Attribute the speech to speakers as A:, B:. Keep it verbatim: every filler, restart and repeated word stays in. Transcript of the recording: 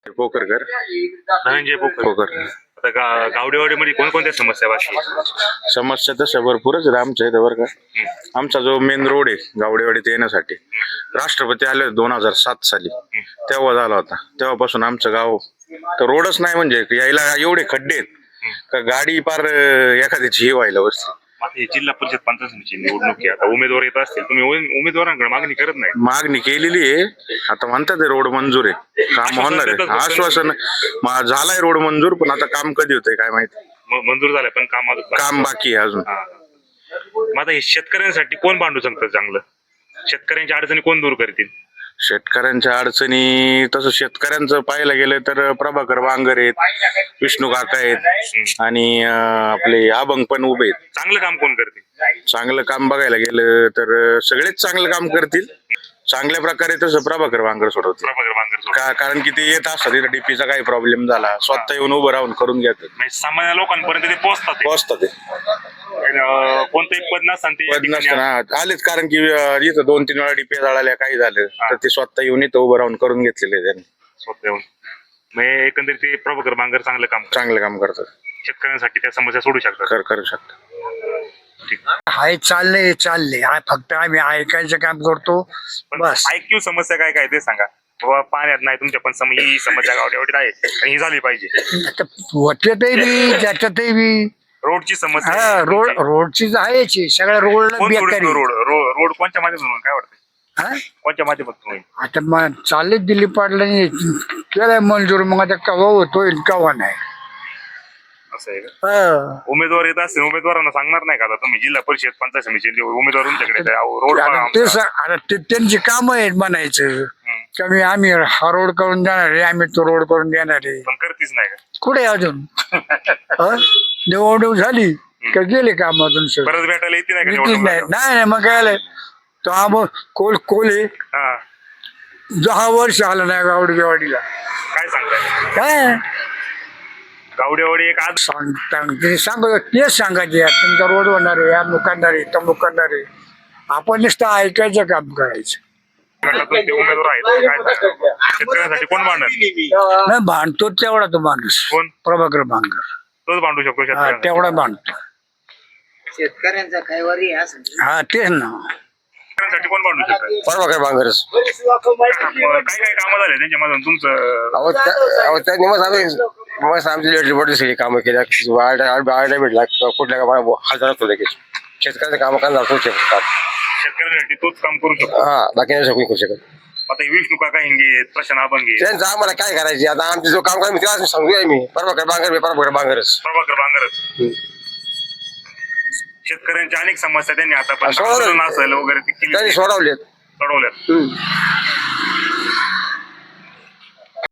A: पोकरकर
B: धनंजय पोकर.
A: पोकर
B: आता गा- गावडेवाडीमध्ये कोणकोणत्या समस्या बाकी आहेत?
A: समस्या तशा भरपूरच आहेत आमच्या इथं बरं का. आमचा जो मेन रोड आहे गावडेवाडीत येण्यासाठी राष्ट्रपती आले दोन हजार सात साली तेव्हा झाला होता. तेव्हापासून आमचं गाव तर रोडच नाही, म्हणजे यायला एवढे खड्डे आहेत का गाडी पार अं, एखाद्याची हे व्हायला बसते.
B: आता ही जिल्हा परिषद पंचायत समितीची निवडणूक आहे. आता उमेदवार येत असतील, तुम्ही उमे- उमेदवारांकडे मागणी करत नाही?
A: मागणी केलेली आहे, आता म्हणतात रोड मंजूर आहे, काम होणार आहे. आश्वासन मा- झालंय रोड मंजूर, पण आता काम कधी होतंय काय माहिती.
B: म- मंजूर झालं पण काम अजून बाकी.
A: काम बाकी आहे अजून.
B: हा. मग आता हे शेतकऱ्यांसाठी कोण भांडू शकतं चांगलं? शेतकऱ्यांच्या अडचणी कोण दूर करतील?
A: शेतकऱ्यांच्या अडचणी तसं शेतकऱ्यांचं पाहायला गेलं तर प्रभाकर बांगर आहेत, विष्णू काका आहेत आणि अं, आपले अभंग पण उभे आहेत.
B: चांगलं काम कोण करतील?
A: चांगलं काम बघायला गेलं तर सगळेच चांगलं काम करतील. चांगल्या प्रकारे तसं प्रभाकर बांगर सोडवतील.
B: प्रभाकर बांगर सोडून.
A: का कारण की ते येत असतात तिथं डीपीचा काही प्रॉब्लेम झाला स्वतः येऊन उभं राहून करून घेतात,
B: म्हणजे सामान्य लोकांपर्यंत ते पोहोचतात ते.
A: पोहोचतात ते.
B: अं, कोणतंही पद नसताना ते या
A: पद
B: ठिकाणी
A: नसताना आलेच, कारण की अं, इथं दोन तीन वेळा डीपी जळाल्या काही झालं तर ते स्वतः येऊन इथं उभं राहून करून घेतलेले त्यांनी.
B: स्वतः येऊन. म्हणजे एकंदरीत ते प्रभाकर बांगर चांगलं काम करतात.
A: चांगलं काम करतात,
B: शेतकऱ्यांसाठी त्या समस्या सोडू शकतात.
A: कर करू शकतात.
B: ठीक.
C: हाय चाललंय चाललंय आ- फक्त आम्ही ऐकायचं काम करतो
B: पण
C: बस.
B: ऐक्यू समस्या काय काय ते सांगा. बाबा पाण्यात नाही तुमच्या, पण सम ही समस्या गावडेवाडीत आहे आणि ही झाली पाहिजे.
C: आता होत्यातही बी त्याच्यातही बी
B: रोडची समस्या
C: हा
B: आहे.
C: रोड रोडची आहेच आहे. सगळ्या रोडला
B: कोण
C: बेकारी
B: सोडतो रोड रो- रोड कोणत्या माध्यमातून होईल? काय वाटतं
C: हा?
B: कोणत्या माध्यमातून होईल?
C: आता मग चालले दिलीप पाटलांनी केलाय मंजूर, मग आता कवा होतोय कवा नाही.
B: असं आहे का?
C: हा.
B: उमेदवार येत असतील, उमेदवारांना सांगणार नाही का आता तुम्ही जिल्हा परिषद पंचायत समितीचे उमेदवार तुमच्याकडे येत आहे, अहो, रोड बघा
C: आता ते
B: आमचा.
C: सा- आता ते त्यांची काम आहेत म्हणायचं
B: हम्म.
C: कमी आम्ही हा रोड करून देणार आहे, आम्ही तो रोड करून देणार आहे.
B: पण करतीच नाही का?
C: कुठे अजून हा? निवडणूक झाली का गेले काम अजून सगळं
B: परत भेटायला येते नाही का
C: येतीच
B: निवडणूक
C: नाही
B: झाल्यावर?
C: नाही नाही, मग काय आलंय तो आम कोल कोले
B: हा.
C: दहा वर्ष आला नाही गावडीवाडीला
B: काय सांगताय?
C: काय
B: गावडेवाडी एक आज
C: सांगता ते सांगत तेच सांगायचे तुमचा रोड होणार आहे अमुक करणार आहे तमुक करणार आहे. आपण नुसतं ऐकायचं काम करायचं.
B: गटातून ते उमेदवार आहेत काय सांगताय? शेतकऱ्यांसाठी कोण भांडणार?
C: नाही भांडतो तेवढा तो माणूस
B: कोण?
C: प्रभाकर बांगर
B: तोच भांडू शकतो
C: हा
B: शेतकऱ्यांना.
C: तेवढा भांडतो.
D: शेतकऱ्यांचा काय वरी आहे असं
C: हा तेच ना
B: शेतकऱ्यांसाठी कोण भांडू शकतं?
E: प्रभाकर बांगरच
B: काय काय कामं झाले त्यांच्या मधून तुमचं?
E: अहो त्या- अहो त्यांनी मग आम्ही मग आमची लेटरी पडली सगळी कामं केल्या आरडा भेटला कुठल्या कामा हजारात होते शेतकऱ्याचं कामं करणार करू शकतात.
B: शेतकऱ्यांसाठी तोच काम करू शकतो.
E: हा बाकी नाही कोणी करू शकत.
B: आता हे विष्णू काका हिंगे आहेत, प्रशांत अभंगे आहेत,
E: त्यांचं आम्हाला काय करायचे आता आमचे जो काम करा मी त्याला सांगूया मी प्रभाकर बांगर मी प्रभाकर बांगरच
B: प्रभाकर बांगरच. शेतकऱ्यांच्या अनेक समस्या त्यांनी आता पण
E: सोडवलं.
B: असेल वगैरे ते केली
E: त्यांनी सोडवलेत.
B: सोडवल्यात.